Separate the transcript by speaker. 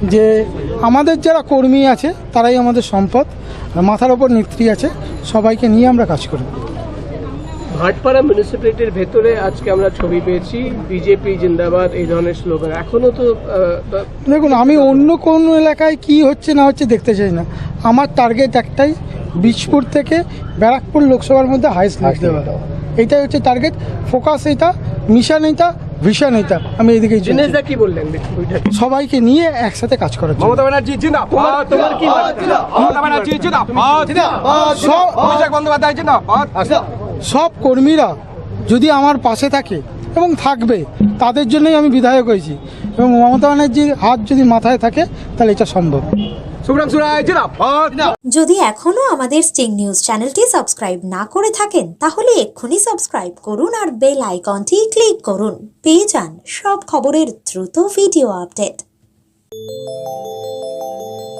Speaker 1: যে আমাদের যারা কর্মী আছে তারাই আমাদের সম্পদ, মাথার ওপর নেত্রী আছে, সবাইকে নিয়ে আমরা কাজ করব।
Speaker 2: ভাটপাড়া মিউনিসিপ্যালিটির ভেতরে আজকে আমরা ছবি পেয়েছি বিজেপি জিন্দাবাদ এই ধরনের স্লোগান, এখনো তো
Speaker 1: দেখুন, আমি অন্য কোন এলাকায় কি হচ্ছে না হচ্ছে দেখতে চাই না। আমার টার্গেট একটাই, বীজপুর থেকে ব্যারাকপুর লোকসভার মধ্যে হাইস্ট লিড দেওয়া, এইটাই হচ্ছে টার্গেট, ফোকাস এইটা, মিশন এইটা, ভিশন এইটা। আমি এইদিকে
Speaker 2: দিনেশদা কি বললেন
Speaker 1: সবাইকে নিয়ে একসাথে কাজ করার জন্য।
Speaker 3: মমতা ব্যানার্জি জিন্দাবাদ,
Speaker 2: তোমার কি বার্তা?
Speaker 3: মমতা ব্যানার্জি জিন্দাবাদ, অভিষেক বন্দ্যোপাধ্যায় জিন্দাবাদ।
Speaker 1: সব কর্মীরা যদি আমার পাশে থাকে এবং থাকবে, তাদের জন্যই আমি বিধায়ক হয়েছি, এবং মমতা ব্যানার্জির হাত যদি মাথায় থাকে তাহলে এটা সম্ভব।
Speaker 3: শুভ্রাংশু রায় জিন্দাবাদ।
Speaker 4: যদি এখনো আমাদের স্টিং নিউজ চ্যানেলটি সাবস্ক্রাইব না করে থাকেন তাহলে এক্ষুনি সাবস্ক্রাইব করুন আর বেল আইকনটি ক্লিক করুন। পেয়ে যান সব খবরের দ্রুত ভিডিও আপডেট।